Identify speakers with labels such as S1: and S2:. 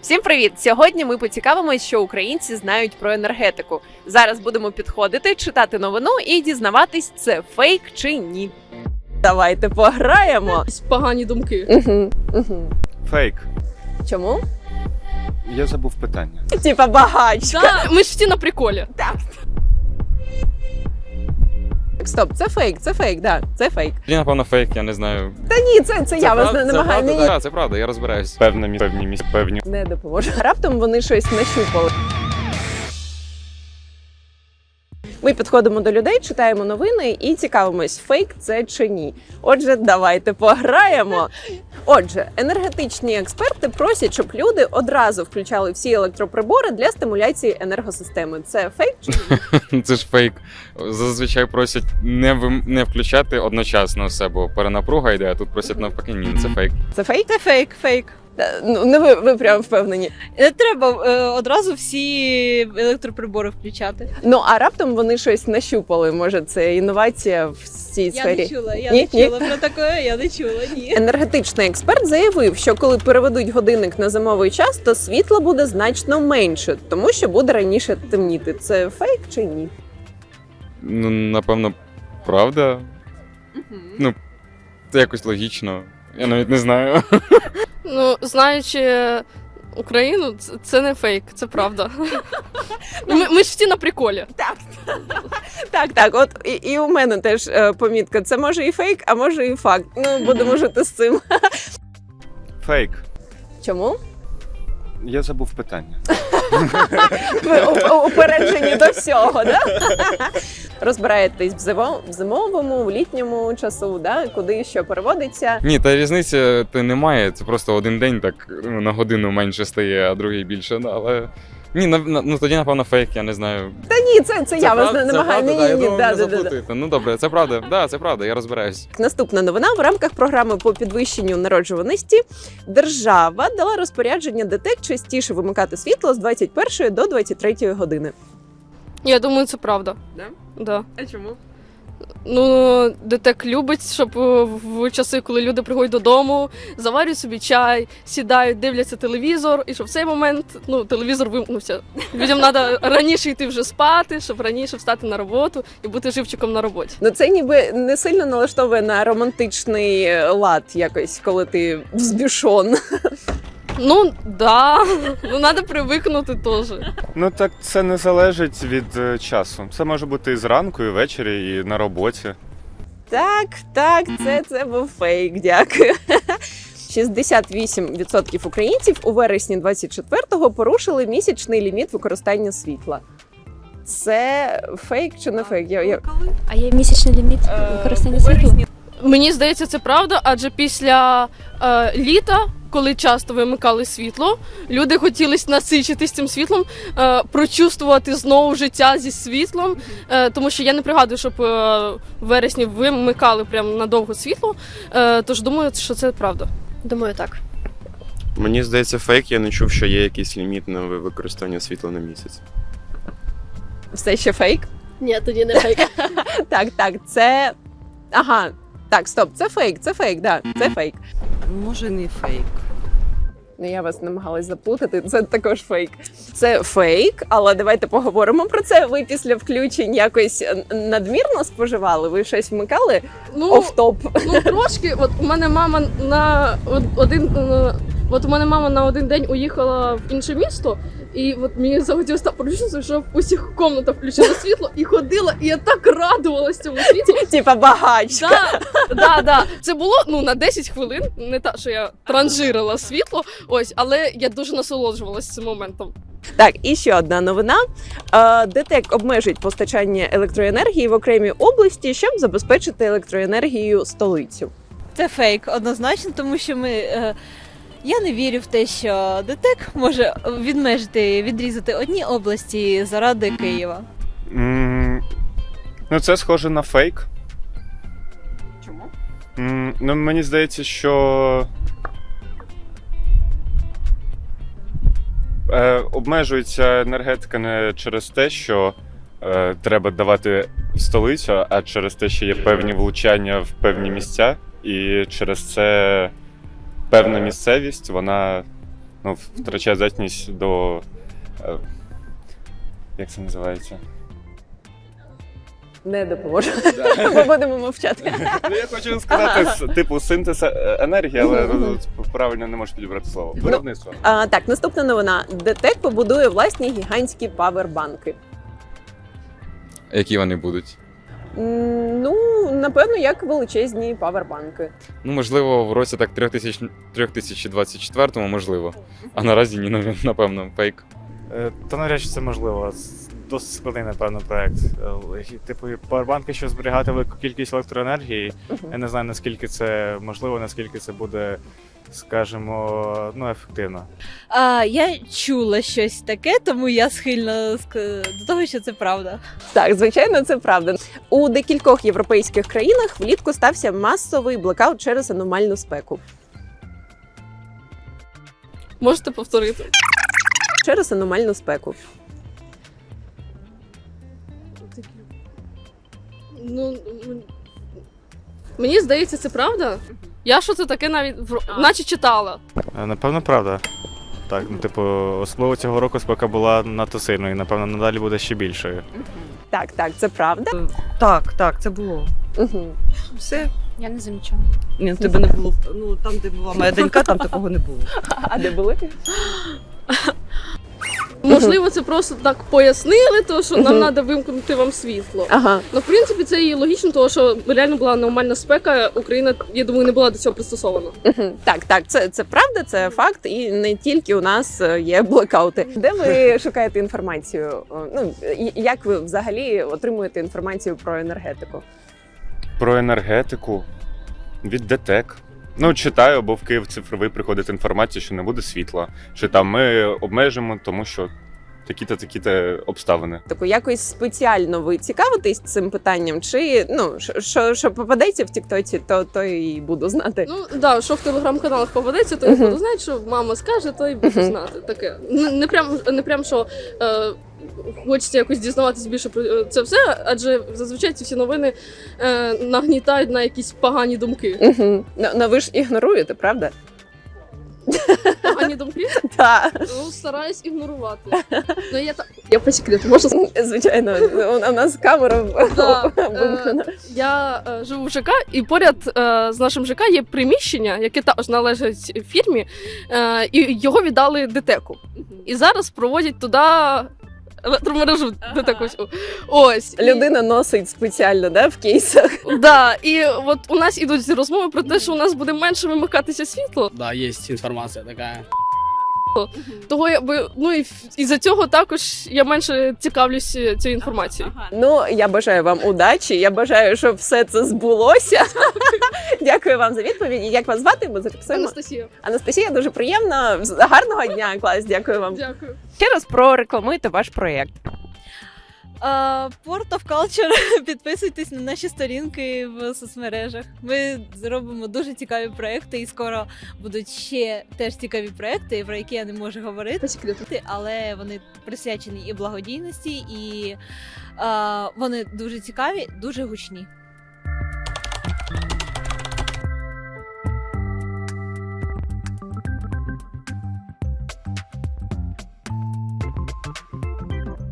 S1: Всім привіт! Сьогодні ми поцікавимось, що українці знають про енергетику. Зараз будемо підходити, читати новину і дізнаватись, це фейк чи ні. Давайте пограємо.
S2: Погані думки.
S3: Фейк.
S1: Чому?
S3: Я забув питання.
S1: Типа багачка.
S2: Да, ми ж всі на приколі.
S1: Так. Стоп, це фейк, да, це фейк.
S4: Тоді, напевно, фейк, я не знаю.
S1: Та ні, це я вас не намагаю.
S4: Це правда, це правда, я розбираюсь.
S3: Певні місця, певні.
S1: Не допоможе. Раптом вони щось нащупали. Ми підходимо до людей, читаємо новини і цікавимось, фейк це чи ні. Отже, давайте пограємо. Отже, енергетичні експерти просять, щоб люди одразу включали всі електроприбори для стимуляції енергосистеми. Це фейк чи ні?
S4: Це ж фейк. Зазвичай просять не включати одночасно все, бо перенапруга йде, а тут просять навпаки, ні, це фейк.
S1: Це фейк?
S5: Це фейк.
S1: Ну, не ви прям впевнені.
S5: Не треба одразу всі електроприбори включати.
S1: Ну, а раптом вони щось нащупали. Може, це інновація в цій сфері?
S5: Я
S1: Ні?
S5: не чула про таке, я не чула, ні.
S1: Енергетичний експерт заявив, що коли переведуть годинник на зимовий час, то світла буде значно менше, тому що буде раніше темніти. Це фейк чи ні?
S4: Ну, напевно, правда. Ну, це якось логічно. Я навіть не знаю.
S2: Ну, знаючи Україну, це не фейк, це правда. Ми ж всі на приколі.
S1: Так. От і у мене теж помітка. Це може і фейк, а може і факт. Ну, будемо жити з цим.
S3: Фейк.
S1: Чому?
S3: Я забув питання.
S1: Ви упереджені до всього, да? Розбираєтесь в зимовому, в літньому часу, да? Куди що переводиться.
S4: Ні, та різниці немає, це просто один день так на годину менше стає, а другий більше, да, але... Ні, ну тоді, напевно, фейк, я не знаю.
S1: Та ні, це я вас не намагаю.
S4: Правда, я
S1: Ні,
S4: думав,
S1: да.
S4: не заплутаєте. Ну добре, це правда, да, це правда, я розбираюсь.
S1: Наступна новина. В рамках програми по підвищенню народжуваності держава дала розпорядження ДТЕК частіше вимикати світло з 21 до 23 години.
S2: Я думаю, це правда.
S1: Да?
S2: Да.
S1: А чому?
S2: Ну, ДТЕК любить, щоб в часи, коли люди приходять додому, заварюють собі чай, сідають, дивляться телевізор, і щоб в цей момент, телевізор вимкнувся. Людям треба раніше йти вже спати, щоб раніше встати на роботу і бути живчиком на роботі.
S1: Ну це ніби не сильно налаштовує на романтичний лад якось, коли ти взбішон.
S2: Ну, да. Ну, треба привикнути теж.
S3: Ну так це не залежить від часу. Це може бути і зранку, і ввечері, і на роботі.
S1: Так, це був фейк, дякую. 68% українців у вересні 24-го порушили місячний ліміт використання світла. Це фейк чи не фейк?
S6: А є місячний ліміт використання світла?
S2: Мені здається, це правда, адже після літа, коли часто вимикали світло, люди хотіли насичитись цим світлом, прочувствувати знову життя зі світлом, тому що я не пригадую, щоб в вересні вимикали прямо надовго світло, тож думаю, що це правда.
S6: Думаю, так.
S7: Мені здається, фейк, я не чув, що є якийсь ліміт на використання світла на місяць.
S1: Все ще фейк?
S6: Ні, тоді не фейк.
S1: Так, це... Ага, так, стоп, це фейк, да, це фейк.
S5: Може, не фейк.
S1: Ну, я вас намагалась заплутати, це також фейк. Це фейк, але давайте поговоримо про це. Ви після включень якось надмірно споживали? Ви щось вмикали? Оф-топ?
S2: Ну, трошки. От у мене мама на один день уїхала в інше місто, і от мені захотілося так прочувствувати, що в усіх кімнатах включила світло і ходила, і я так радувалася цьому світлу.
S1: Типа багачка.
S2: Да. Це було на 10 хвилин, не так, що я транжирила світло, але я дуже насолоджувалася цим моментом.
S1: Так, і ще одна новина. ДТЕК обмежить постачання електроенергії в окремій області, щоб забезпечити електроенергією столицю.
S5: Це фейк, однозначно, тому що я не вірю в те, що ДТЕК може відрізати одні області заради Києва.
S3: Ну це схоже на фейк.
S1: Чому?
S3: Ну мені здається, що обмежується енергетика не через те, що треба давати в столицю, а через те, що є певні влучання в певні місця, і через це певна місцевість, вона втрачає здатність до. Як це називається?
S1: Не допоможу. Ми будемо мовчати.
S3: Ну, я хочу сказати, типу, синтез енергії, але правильно не можу підібрати слово. Виробництво.
S1: Так, наступна новина. ДТЕК побудує власні гігантські павербанки.
S4: Які вони будуть?
S1: Ну, напевно, як величезні павербанки.
S4: Ну, можливо, в році так 3024-му, можливо. А наразі ні, напевно, фейк.
S8: Та навряд чи це можливо. Досить складний, напевно, проект. Типу, павербанки, що зберігати велику кількість електроенергії. Я не знаю, наскільки це можливо, наскільки це буде, скажімо, ефективно.
S5: Я чула щось таке, тому я схильна до того, що це правда.
S1: Так, звичайно, це правда. У декількох європейських країнах влітку стався масовий блекаут через аномальну спеку.
S2: Можете повторити?
S1: Через аномальну спеку.
S2: Ну, мені здається, це правда. Я що це таке навіть наче читала.
S8: Напевно, правда. Так, типу, особливо цього року спека була надто сильною, і, напевно, надалі буде ще більшою.
S1: Так, це правда.
S9: Так, це було.
S1: Угу.
S9: Все.
S6: Я не замічала.
S9: Ні, тебе не було. Ну, там, де була моя донька, там такого не було.
S1: А де були?
S2: Можливо, це просто так пояснили, то що нам треба вимкнути вам світло.
S1: Ага.
S2: Ну, в принципі, це і логічно, тому що реально була нормальна спека, Україна, я думаю, не була до цього пристосована.
S1: Так, це правда, це факт, і не тільки у нас є блекаути. Де ви шукаєте інформацію? Ну, як ви взагалі отримуєте інформацію про енергетику?
S3: Про енергетику від ДТЕК. Ну, читаю, бо в Київ цифровий приходить інформація, що не буде світла. Чи там ми обмежимо, тому що такі-то обставини.
S1: Таку якось спеціально ви цікавитесь цим питанням? Чи що попадеться в Тіктоці, то і буду знати.
S2: Ну, да, що в телеграм-каналах попадеться, то я буду знати, що мама скаже, то і буду знати. Таке. Не прям, що хочеться якось дізнаватися більше про це все, адже зазвичай ці всі новини нагнітають на якісь погані думки.
S1: Ну ви ж ігноруєте, правда?
S2: Погані думки?
S1: Так.
S2: Ну, стараюсь ігнорувати. Ну, я по секрету, можна сказати?
S1: Звичайно, у нас камера
S2: Да.
S1: вимкнена.
S2: Я живу в ЖК, і поряд з нашим ЖК є приміщення, яке також належить фірмі, і його віддали ДТЕКу. І зараз проводять туди електромережу ДТЕКу. Ось.
S1: Людина носить спеціально, да, в кейсах.
S2: Да, і от у нас ідуть розмови про те, що у нас буде менше вимикатися світло.
S10: Да, есть информация такая.
S2: Того і за цього також я менше цікавлюсь цією інформацією.
S1: Ну, я бажаю вам удачі, я бажаю, щоб все це збулося. Дякую вам за відповіді. Як вас звати? Ми зафіксуємо.
S2: Анастасія.
S1: Анастасія, дуже приємно. Гарного дня, клас, дякую вам.
S2: Дякую.
S1: Ще раз прорекламуйте ваш проєкт.
S5: Port of Culture, підписуйтесь на наші сторінки в соцмережах. Ми зробимо дуже цікаві проекти, і скоро будуть ще теж цікаві проекти, про які я не можу говорити,
S2: По секрету.
S5: але вони присвячені і благодійності, і вони дуже цікаві, дуже гучні.